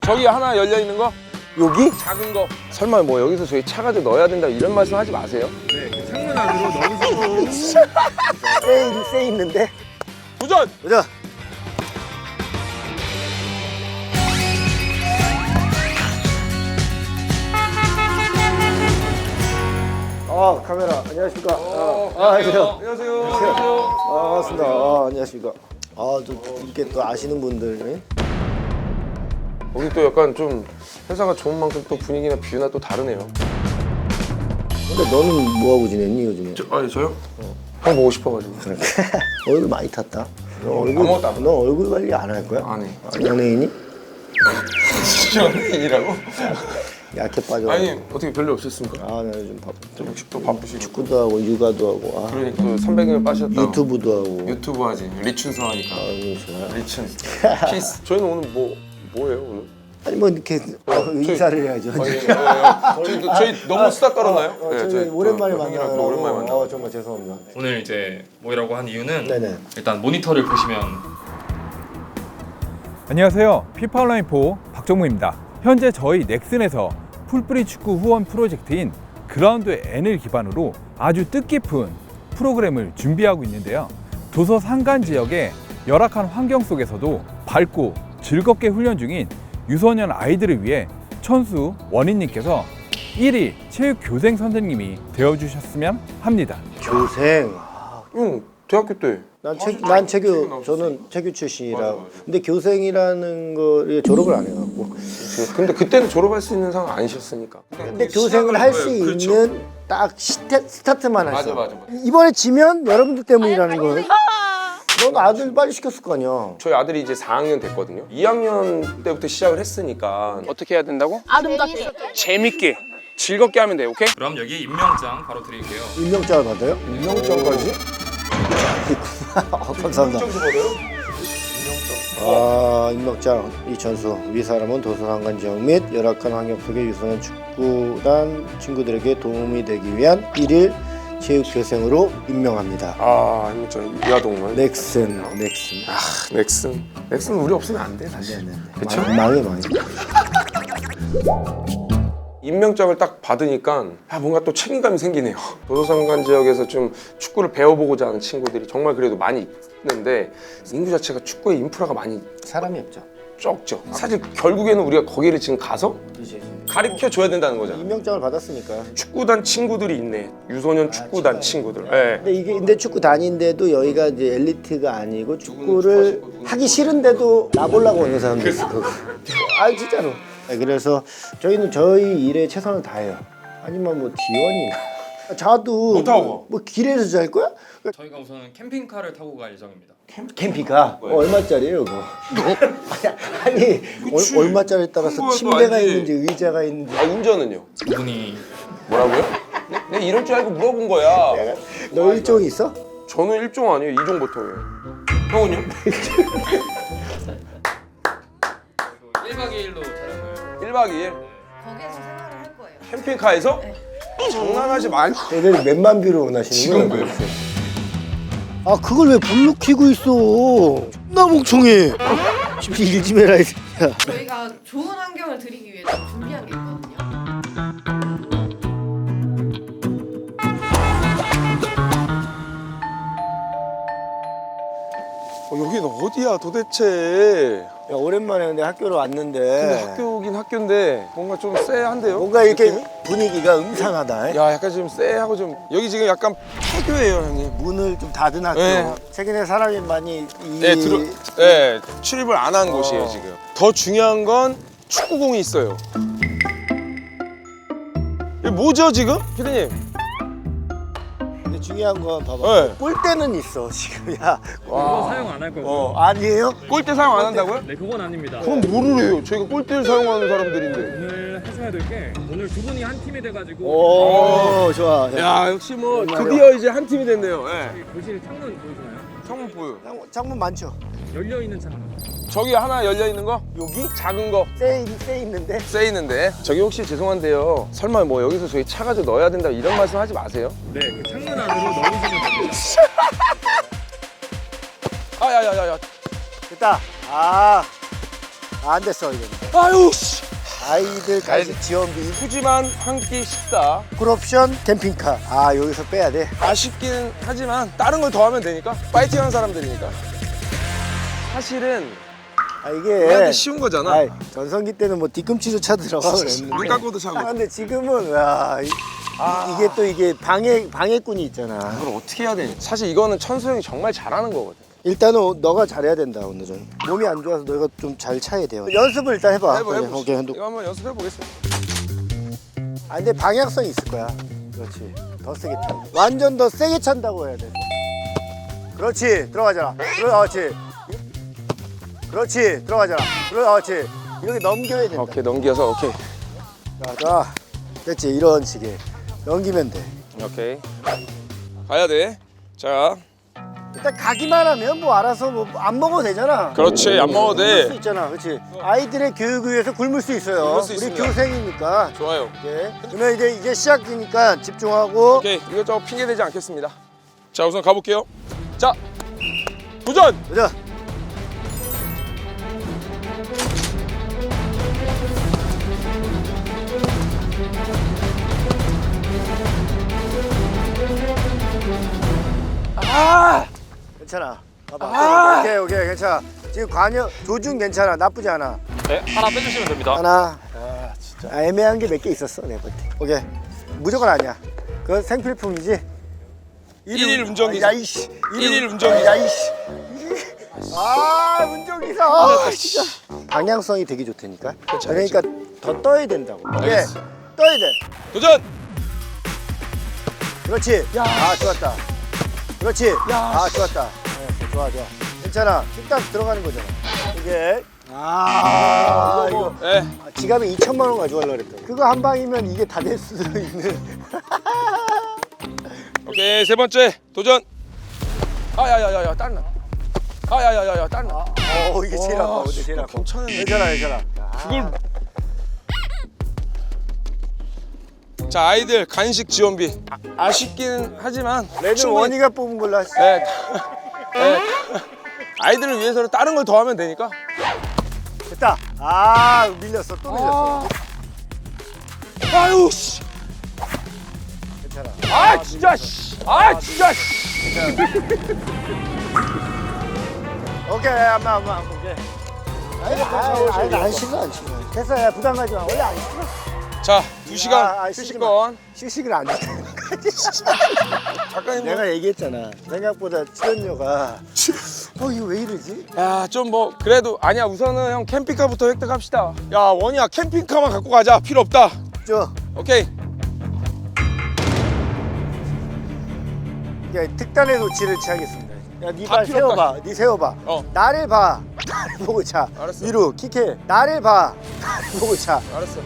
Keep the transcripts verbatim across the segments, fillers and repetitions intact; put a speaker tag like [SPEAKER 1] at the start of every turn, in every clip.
[SPEAKER 1] 저기 하나 열려 있는 거?
[SPEAKER 2] 여기?
[SPEAKER 1] 작은 거. 설마 뭐 여기서 저희 차 가지고 넣어야 된다 이런 말씀 하지 마세요.
[SPEAKER 3] 네, 그 창문 안으로 넣으시고.
[SPEAKER 2] 쎄, 쎄 있는데.
[SPEAKER 1] 도전!
[SPEAKER 2] 보자. 아, 카메라. 안녕하십니까.
[SPEAKER 1] 어,
[SPEAKER 2] 아, 안녕하세요.
[SPEAKER 1] 안녕하세요. 안녕하세요.
[SPEAKER 2] 아, 반갑습니다. 아, 안녕하십니까. 아, 또 이렇게 또 아시는 분들.
[SPEAKER 1] 여기 또 약간 좀 회사가 좋은 만큼 또 분위기나 뷰나 또 다르네요.
[SPEAKER 2] 근데 너는 뭐 하고 지냈니 요즘에?
[SPEAKER 1] 저, 아니 저요? 어. 형 보고 싶어가지고.
[SPEAKER 2] 그러니까 얼굴 많이 탔다. 너 얼굴
[SPEAKER 1] 아무것도 안
[SPEAKER 2] 너 얼굴 관리 안 할 거야?
[SPEAKER 1] 안 해.
[SPEAKER 2] 아, 연예인이?
[SPEAKER 1] 연예인이라고?
[SPEAKER 2] 약해 빠져.
[SPEAKER 1] 아니 어떻게 별로 없었습니까?
[SPEAKER 2] 아, 나 요즘 바빠.
[SPEAKER 1] 좀 역시 또 바쁘시고.
[SPEAKER 2] 축구도 하고 육아도 하고. 아,
[SPEAKER 1] 그러니까 또 삼백 명 빠셨다.
[SPEAKER 2] 유튜브도 하고.
[SPEAKER 1] 유튜브 하지. 리춘서 하니까.
[SPEAKER 2] 아, 이거 좋아.
[SPEAKER 1] 리춘. 피스. 저희는 오늘 뭐 뭐예요 오늘?
[SPEAKER 2] 아니 뭐 이렇게 어, 인사를 해야죠.
[SPEAKER 1] 아니, 예, 예. 저희, 저희 너무 수다 떨었나요?
[SPEAKER 2] 어, 어,
[SPEAKER 1] 네,
[SPEAKER 2] 저희
[SPEAKER 1] 저희
[SPEAKER 2] 오랜만에
[SPEAKER 1] 또 형이랑
[SPEAKER 2] 만나요.
[SPEAKER 1] 또 오랜만에 만나.
[SPEAKER 2] 어, 정말 죄송합니다.
[SPEAKER 3] 오늘 이제 모이라고 한 이유는
[SPEAKER 2] 네네.
[SPEAKER 3] 일단 모니터를 보시면
[SPEAKER 4] 안녕하세요. 피파 온라인 포 박정무입니다. 현재 저희 넥슨에서 풀뿌리 축구 후원 프로젝트인 그라운드 N을 기반으로 아주 뜻깊은 프로그램을 준비하고 있는데요. 도서 산간 지역의 열악한 환경 속에서도 밝고 즐겁게 훈련 중인 유소년 아이들을 위해 천수 원희님께서 일 일 체육교생 선생님이 되어주셨으면 합니다.
[SPEAKER 2] 교생.
[SPEAKER 1] 형 대학교 때.
[SPEAKER 2] 난,
[SPEAKER 1] 아,
[SPEAKER 2] 체,
[SPEAKER 1] 진짜?
[SPEAKER 2] 난
[SPEAKER 1] 체육
[SPEAKER 2] 체교,
[SPEAKER 1] 나오셨어요?
[SPEAKER 2] 저는 체교 출신이라.
[SPEAKER 1] 맞아, 맞아.
[SPEAKER 2] 근데 교생이라는 거를 졸업을 안 해갖고.
[SPEAKER 1] 근데 그때는 졸업할 수 있는 상황 아니셨으니까.
[SPEAKER 2] 근데 교생을 할 수
[SPEAKER 1] 그렇죠.
[SPEAKER 2] 있는 딱 시태, 스타트만
[SPEAKER 1] 맞아
[SPEAKER 2] 했어.
[SPEAKER 1] 맞아 맞아.
[SPEAKER 2] 이번에 지면 여러분들 때문이라는 거. 넌 아들 빨리 시켰을 거 아니야.
[SPEAKER 1] 저희 아들이 이제 사 학년 됐거든요. 이 학년 때부터 시작을 했으니까 어떻게 해야 된다고?
[SPEAKER 5] 아름답게.
[SPEAKER 1] 재밌게 즐겁게 하면 돼. 오케이?
[SPEAKER 3] 그럼 여기 임명장 바로 드릴게요.
[SPEAKER 2] 임명장을 받아요?
[SPEAKER 1] 임명장까지?
[SPEAKER 2] 어, 감사합니다.
[SPEAKER 1] 임명장 받아요?
[SPEAKER 2] 아, 임명장 이천수. 위 사람은 도서관관 지역 및 열악한 환경 속의 유소년 축구단 친구들에게 도움이 되기 위한 일일 체육교생으로 임명합니다.
[SPEAKER 1] 아 임명장 이하동만.
[SPEAKER 2] 넥슨, 넥슨.
[SPEAKER 1] 아 넥슨. 넥슨 우리 없으면 안 돼 사실.
[SPEAKER 2] 네네.
[SPEAKER 1] 그쵸?
[SPEAKER 2] 망- 망해 망해.
[SPEAKER 1] 임명장을 딱 받으니까 아, 뭔가 또 책임감이 생기네요. 도서상관 지역에서 좀 축구를 배워보고자 하는 친구들이 정말 그래도 많이 있는데 인구 자체가 축구의 인프라가 많이
[SPEAKER 2] 사람이 없죠.
[SPEAKER 1] 적죠. 사실 결국에는 우리가 거기를 지금 가서 가르쳐 줘야 된다는 거잖아.
[SPEAKER 2] 임명장을 받았으니까.
[SPEAKER 1] 축구단 친구들이 있네. 유소년 축구단 친구들. 예.
[SPEAKER 2] 근데 이게 근데 축구 다닌데도 여기가 이제 엘리트가 아니고 축구를 하기 싫은데도 나보려고 오는 사람들 있어. 아 진짜로. 네, 그래서 저희는 저희 일에 최선을 다해요. 아니면 뭐 디원이나 자도
[SPEAKER 1] 못 타고
[SPEAKER 2] 뭐 길에서 잘 거야?
[SPEAKER 3] 저희가 우선 캠핑카를 타고 갈 예정입니다.
[SPEAKER 2] 캠핑카 어, 얼마짜리예요 그거? 아니, 아니
[SPEAKER 1] 그치.
[SPEAKER 2] 얼, 얼마짜리에 따라서
[SPEAKER 1] 그거야,
[SPEAKER 2] 침대가
[SPEAKER 1] 알지.
[SPEAKER 2] 있는지 의자가 있는지.
[SPEAKER 1] 아 운전은요?
[SPEAKER 3] 이분이
[SPEAKER 1] 뭐라고요? 내, 내가 이럴 줄 알고 물어본 거야.
[SPEAKER 2] 너 일종이 있어?
[SPEAKER 1] 저는 일종 아니에요. 이종 보통이에요. 형은요?
[SPEAKER 3] 일 박 이 일로 촬영을
[SPEAKER 1] 일 박 이 일
[SPEAKER 5] 거기에서 생활을 할 거예요.
[SPEAKER 1] 캠핑카에서?
[SPEAKER 5] 네.
[SPEAKER 1] 장난하지 마.
[SPEAKER 2] 애들 몇만 뷰로 원하시는
[SPEAKER 1] 지금
[SPEAKER 2] 거예요?
[SPEAKER 1] 왜?
[SPEAKER 2] 아 그걸 왜 불로 켜고 있어? 나 멍청해. 좀 일 좀 해라 이 새끼야.
[SPEAKER 5] 저희가 좋은 환경을 드리기 위해 좀 준비한 게 있거든요.
[SPEAKER 1] 어, 여긴 어디야 도대체?
[SPEAKER 2] 야, 오랜만에 근데 학교로 왔는데
[SPEAKER 1] 근데 학교긴 학교인데 뭔가 좀 쎄한데요?
[SPEAKER 2] 뭔가 이렇게
[SPEAKER 1] 느낌이?
[SPEAKER 2] 분위기가 음산하다.
[SPEAKER 1] 야 약간 좀 쎄하고 좀 여기 지금 약간 폐교예요 형님.
[SPEAKER 2] 문을 좀 닫은 학교.
[SPEAKER 1] 네.
[SPEAKER 2] 최근에 사람이 많이 이...
[SPEAKER 1] 네, 들어, 네 출입을 안 한
[SPEAKER 2] 어.
[SPEAKER 1] 곳이에요 지금. 더 중요한 건 축구공이 있어요. 이게 뭐죠 지금? 피디님.
[SPEAKER 2] 근데 중요한 건 봐봐.
[SPEAKER 1] 네.
[SPEAKER 2] 골대는 있어 지금. 야.
[SPEAKER 3] 그거 사용 안 할 거고요.
[SPEAKER 2] 어 아니에요?
[SPEAKER 1] 골대 사용 안 한다고요?
[SPEAKER 3] 네, 그건 아닙니다.
[SPEAKER 1] 그럼 뭐를 해요? 저희가 골대를 사용하는 사람들인데.
[SPEAKER 3] 오늘 하셔야 될 게 오늘 두 분이 한 팀이 돼가지고
[SPEAKER 2] 오 좋아.
[SPEAKER 1] 야 역시 뭐 드디어 이제 한 팀이 됐네요. 예.
[SPEAKER 3] 교실 창문 보이시나요?
[SPEAKER 1] 창문 보여.
[SPEAKER 2] 창문, 창문 많죠?
[SPEAKER 3] 열려 있는 창문.
[SPEAKER 1] 저기 하나 열려 있는 거?
[SPEAKER 2] 여기?
[SPEAKER 1] 작은 거.
[SPEAKER 2] 쎄, 쎄 있는데?
[SPEAKER 1] 쎄 있는데. 저기 혹시 죄송한데요. 설마 뭐 여기서 저희 차 가지고 넣어야 된다 이런 말씀 하지 마세요.
[SPEAKER 3] 네, 그 창문 안으로 넣으시면 됩니다.
[SPEAKER 1] 아야야야야.
[SPEAKER 2] 됐다. 아 아, 안 됐어 이거.
[SPEAKER 1] 아유 씨.
[SPEAKER 2] 아이들 간식 지원비,
[SPEAKER 1] 푸짐한 한 끼 식사.
[SPEAKER 2] 쿨옵션 캠핑카. 아 여기서 빼야 돼.
[SPEAKER 1] 아쉽긴 하지만 다른 걸 더 하면 되니까. 파이팅하는 사람들이니까. 사실은
[SPEAKER 2] 아
[SPEAKER 1] 우리한테
[SPEAKER 2] 이게
[SPEAKER 1] 쉬운 거잖아.
[SPEAKER 2] 아이, 전성기 때는 뭐 뒤꿈치조차 들어가 그랬는데.
[SPEAKER 1] 눈 감고도 차고.
[SPEAKER 2] 아, 근데 지금은 와 이,
[SPEAKER 1] 아.
[SPEAKER 2] 이게 또 이게 방해 방해꾼이 있잖아.
[SPEAKER 1] 이걸 어떻게 해야 되니? 사실 이거는 천수 형이 정말 잘하는 거거든.
[SPEAKER 2] 일단은 너가 잘해야 된다 오늘은. 몸이 안 좋아서 너가 좀 잘 차야 돼요. 연습을 일단 해봐.
[SPEAKER 1] 해보
[SPEAKER 2] 그래,
[SPEAKER 1] 해보.
[SPEAKER 2] 오케이, 한도.
[SPEAKER 1] 이거 한번 연습해 보겠습니다.
[SPEAKER 2] 아 근데 방향성이 있을 거야. 그렇지. 더 세게 차. 완전 더 세게 찬다고 해야 돼. 그렇지. 들어가잖아. 그렇지. 그렇지. 들어가잖아. 그렇지. 이렇게 넘겨야 된다.
[SPEAKER 1] 오케이 넘겨서 오케이.
[SPEAKER 2] 자, 자. 됐지. 이런 식의 넘기면 돼.
[SPEAKER 1] 오케이. 가야 돼. 자.
[SPEAKER 2] 일단 가기만 하면 뭐 알아서 뭐 안 먹어도 되잖아.
[SPEAKER 1] 그렇지. 안 먹어도
[SPEAKER 2] 굶을 수
[SPEAKER 1] 돼.
[SPEAKER 2] 있잖아. 그렇지. 아이들의 교육을 위해서 굶을 수 있어요.
[SPEAKER 1] 굶을 수
[SPEAKER 2] 우리
[SPEAKER 1] 있습니다.
[SPEAKER 2] 교생이니까.
[SPEAKER 1] 좋아요.
[SPEAKER 2] 예. 그러면 이제 이제 시작이니까 집중하고.
[SPEAKER 1] 오케이. 이것저것 핑계 대지 않겠습니다. 자 우선 가볼게요. 자 도전.
[SPEAKER 2] 보자.
[SPEAKER 1] 아.
[SPEAKER 2] 괜찮아. 봐봐.
[SPEAKER 1] 아!
[SPEAKER 2] 오케이, 오케이, 괜찮아. 지금 관여 조준 괜찮아. 나쁘지 않아.
[SPEAKER 3] 네, 하나 빼주시면 됩니다.
[SPEAKER 2] 하나. 아, 진짜. 아, 애매한 게 몇 개 있었어, 내가 볼 때. 오케이. 무조건 아니야. 그건 생필품이지.
[SPEAKER 1] 일일 운전기사.
[SPEAKER 2] 야, 이씨.
[SPEAKER 1] 일일 운전기사.
[SPEAKER 2] 야, 이씨. 아, 운전기사. 아, 진짜. 방향성이 되게 좋다니까. 그러니까 더 떠야 된다고. 오케이.
[SPEAKER 1] 알겠어.
[SPEAKER 2] 떠야 돼.
[SPEAKER 1] 도전.
[SPEAKER 2] 그렇지.
[SPEAKER 1] 야.
[SPEAKER 2] 아, 좋았다. 그렇지.
[SPEAKER 1] 야.
[SPEAKER 2] 아, 좋았다. 네, 좋아, 좋아. 괜찮아. 뚝딱 들어가는 거잖아. 이게. 아, 이거.
[SPEAKER 1] 네.
[SPEAKER 2] 아, 지갑에 이천만 원 가져가려고 그랬다. 그거 한 방이면 이게 다 될 수도 있는.
[SPEAKER 1] 오케이 세 번째 도전. 아야야야야 딸나. 아야야야야 딸나.
[SPEAKER 2] 어, 이게 제일 아파.
[SPEAKER 1] 와,
[SPEAKER 2] 근데 제일
[SPEAKER 1] 씨,
[SPEAKER 2] 아파.
[SPEAKER 1] 괜찮은데.
[SPEAKER 2] 괜찮아, 괜찮아.
[SPEAKER 1] 그걸. 자 아이들 간식 지원비 아, 아쉽긴 하지만
[SPEAKER 2] 레드
[SPEAKER 1] 충분히-
[SPEAKER 2] 원이가 뽑은 걸로 하시.
[SPEAKER 1] 네. 네. 아이들을 위해서는 다른 걸 더 하면 되니까.
[SPEAKER 2] 됐다. 아, 밀렸어. 또 밀렸어.
[SPEAKER 1] 아유 씨.
[SPEAKER 2] 괜찮아.
[SPEAKER 1] 아 진짜 씨. 아 진짜 씨.
[SPEAKER 2] 오케이, 엄마, 엄마, 오케이. 아니, 아니, 안 싫어, 안 싫어. 됐어, 야, 부담 가지 마. 원래 안 싫어.
[SPEAKER 1] 자 두 시간
[SPEAKER 2] 아, 아,
[SPEAKER 1] 휴식권.
[SPEAKER 2] 휴식을 안 해.
[SPEAKER 1] 작가님
[SPEAKER 2] 내가 얘기했잖아. 생각보다 출연료가 어 이거 왜 이러지?
[SPEAKER 1] 야좀 뭐 그래도 아니야 우선은 형 캠핑카부터 획득합시다. 야 원이야 캠핑카만 갖고 가자. 필요 없다.
[SPEAKER 2] 저
[SPEAKER 1] 오케이.
[SPEAKER 2] 야, 특단의 조치를 취하겠습니다. 야, 네
[SPEAKER 1] 다
[SPEAKER 2] 발
[SPEAKER 1] 필요
[SPEAKER 2] 세워봐. 네 세워봐.
[SPEAKER 1] 어.
[SPEAKER 2] 나를 봐. 나를 보고 차.
[SPEAKER 1] 알았어.
[SPEAKER 2] 위로 킥해. 나를 봐. 나를 보고 차.
[SPEAKER 1] 알았어.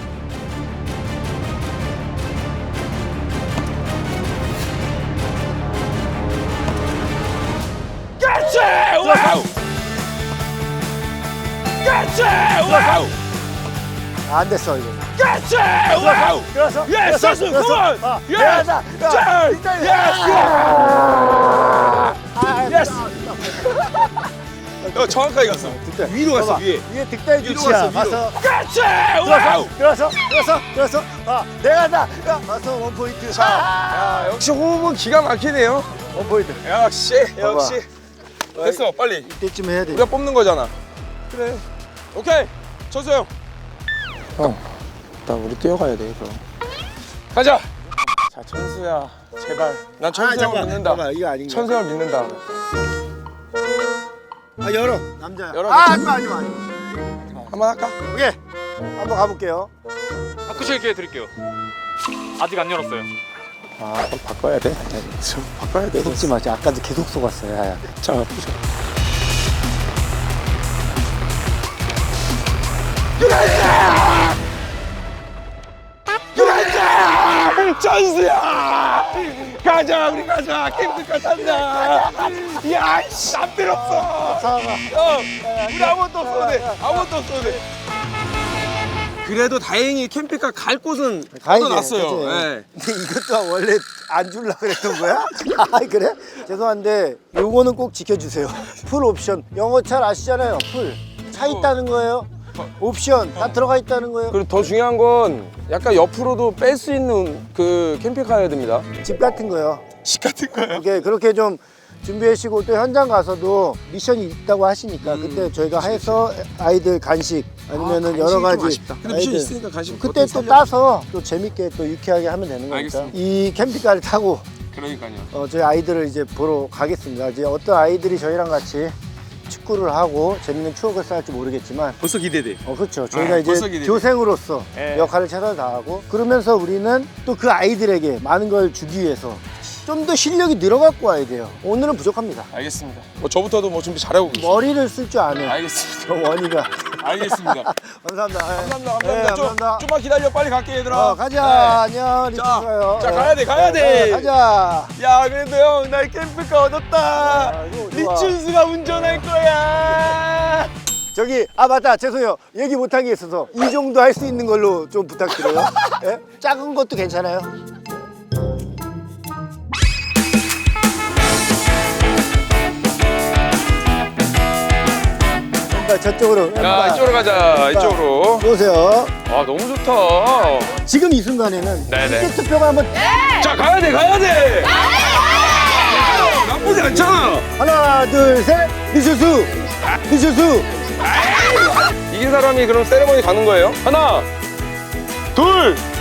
[SPEAKER 1] 그렇지! 와우! 그렇지! 와우!
[SPEAKER 2] 아, 안 됐어 이거.
[SPEAKER 1] 그렇지! 와우!
[SPEAKER 2] 들어서.
[SPEAKER 1] 예스!
[SPEAKER 2] 들어서,
[SPEAKER 1] 예스!
[SPEAKER 2] 들어서.
[SPEAKER 1] 컴온!
[SPEAKER 2] 아,
[SPEAKER 1] 예스!
[SPEAKER 2] 미안하다. 야,
[SPEAKER 1] 자!
[SPEAKER 2] 일단-
[SPEAKER 1] 예스!
[SPEAKER 2] 아,
[SPEAKER 1] 예스! 어, 정확하게 갔어.
[SPEAKER 2] 득달.
[SPEAKER 1] 위로 갔어,
[SPEAKER 2] 봐봐.
[SPEAKER 1] 위에.
[SPEAKER 2] 위에 득달
[SPEAKER 1] 위로
[SPEAKER 2] 조치야.
[SPEAKER 1] 갔어, 위로.
[SPEAKER 2] 가서
[SPEAKER 1] 그렇지! 와우!
[SPEAKER 2] 들어서. 들어서. 들어서. 아, 내가 다. 야, 가서 원 포인트.
[SPEAKER 1] 자, 야, 역시 호흡은 기가 막히네요.
[SPEAKER 2] 원 포인트.
[SPEAKER 1] 역시, 역시. 됐어, 빨리.
[SPEAKER 2] 이때쯤 해야 돼.
[SPEAKER 1] 우리가 뽑는 거잖아. 그래. 오케이. 천수 형. 형, 나 우리 뛰어가야 돼, 그럼. 가자. 자, 천수야, 제발. 난 천수 형을 믿는다.
[SPEAKER 2] 봐봐, 이거 아닌가?
[SPEAKER 1] 천수 형을 믿는다.
[SPEAKER 2] 아, 열어. 남자야.
[SPEAKER 1] 열어.
[SPEAKER 2] 아, 하지 마, 하지 마.
[SPEAKER 1] 한번 할까?
[SPEAKER 2] 오케이. 한번 가볼게요.
[SPEAKER 3] 바꾸실 기회 드릴게요. 아직 안 열었어요.
[SPEAKER 1] 아, 그럼 바꿔야 돼. 좀 바꿔야 돼.
[SPEAKER 2] 속지 마. 아까도 계속 속았어. 야야.
[SPEAKER 1] 자, 보자. 그렇지! 천수야! 가자, 우리 가자. 캠핑카 탄다. 야, 씨, 안 필요 없어.
[SPEAKER 2] 사과.
[SPEAKER 1] 형, 우리 아무것도 없어도 돼. 아무것도 없어도 돼. 그래도 다행히 캠핑카 갈 곳은 얻어놨어요. 예.
[SPEAKER 2] 근데 이것도 원래 안 줄라 그랬던 거야? 아 그래? 죄송한데 요거는 꼭 지켜주세요. 풀 옵션. 영어 잘 아시잖아요. 풀. 차 있다는 거예요. 옵션 다 들어가 있다는 거예요.
[SPEAKER 1] 그리고 더 중요한 건 약간 옆으로도 뺄 수 있는 그 캠핑카여야 됩니다.
[SPEAKER 2] 집 같은 거요.
[SPEAKER 1] 집 같은 거요?
[SPEAKER 2] 이렇게 그렇게 좀 준비하시고 또 현장 가서도 미션이 있다고 하시니까 그때 저희가 해서 아이들 간식 아니면은
[SPEAKER 1] 아,
[SPEAKER 2] 여러
[SPEAKER 1] 간식이 좀
[SPEAKER 2] 가지
[SPEAKER 1] 아쉽다. 근데 미션 있으니까 간식
[SPEAKER 2] 그때
[SPEAKER 1] 어떻게
[SPEAKER 2] 또
[SPEAKER 1] 살려-
[SPEAKER 2] 따서 또 재밌게 또 유쾌하게 하면 되는 거니까
[SPEAKER 1] 알겠습니다.
[SPEAKER 2] 이 캠핑카를 타고
[SPEAKER 1] 그러니까요.
[SPEAKER 2] 어, 저희 아이들을 이제 보러 가겠습니다. 이제 어떤 아이들이 저희랑 같이 축구를 하고 재밌는 추억을 쌓을지 모르겠지만
[SPEAKER 1] 벌써 기대돼.
[SPEAKER 2] 어 그렇죠. 저희가
[SPEAKER 1] 아,
[SPEAKER 2] 이제
[SPEAKER 1] 벌써 기대돼.
[SPEAKER 2] 교생으로서
[SPEAKER 1] 예.
[SPEAKER 2] 역할을 최선을 다하고 그러면서 우리는 또 그 아이들에게 많은 걸 주기 위해서 좀 더 실력이 늘어갖고 와야 돼요. 오늘은 부족합니다.
[SPEAKER 1] 알겠습니다. 뭐 저부터도 뭐 준비 잘하고 계시죠.
[SPEAKER 2] 머리를 쓸 줄 아는
[SPEAKER 1] 알겠습니다.
[SPEAKER 2] 저 원이가.
[SPEAKER 1] 알겠습니다.
[SPEAKER 2] 감사합니다. 예.
[SPEAKER 1] 감사합니다.
[SPEAKER 2] 네,
[SPEAKER 1] 감사합니다. 좀,
[SPEAKER 2] 감사합니다.
[SPEAKER 1] 좀만 기다려. 빨리 갈게 얘들아.
[SPEAKER 2] 어, 가자.
[SPEAKER 1] 네.
[SPEAKER 2] 안녕. 리트
[SPEAKER 1] 자,
[SPEAKER 2] 가요.
[SPEAKER 1] 자,
[SPEAKER 2] 예.
[SPEAKER 1] 가야 돼, 가야 돼.
[SPEAKER 2] 네, 가자.
[SPEAKER 1] 야 그래도 형 나 캠핑카 얻었다.
[SPEAKER 2] 아, 이거 좋아.
[SPEAKER 1] 리춘수가 운전할 거야.
[SPEAKER 2] 저기 아 맞다 죄송해요 얘기 못한 게 있어서 이 정도 할 수 있는 걸로 좀 부탁드려요. 예? 작은 것도 괜찮아요. 왼발 저쪽으로.
[SPEAKER 1] 야
[SPEAKER 2] 왼발.
[SPEAKER 1] 이쪽으로 가자. 이쪽으로.
[SPEAKER 2] 보세요.
[SPEAKER 1] 아 너무 좋다.
[SPEAKER 2] 지금 이 순간에는
[SPEAKER 1] 네네.
[SPEAKER 2] 이제 투표가 한번
[SPEAKER 1] 자 가야 돼, 가야 돼. 나쁘지 않잖아.
[SPEAKER 2] 하나 둘셋 리슈수 리슈수.
[SPEAKER 1] 이긴 사람이 그럼 세레머니 가는 거예요? 하나, 둘,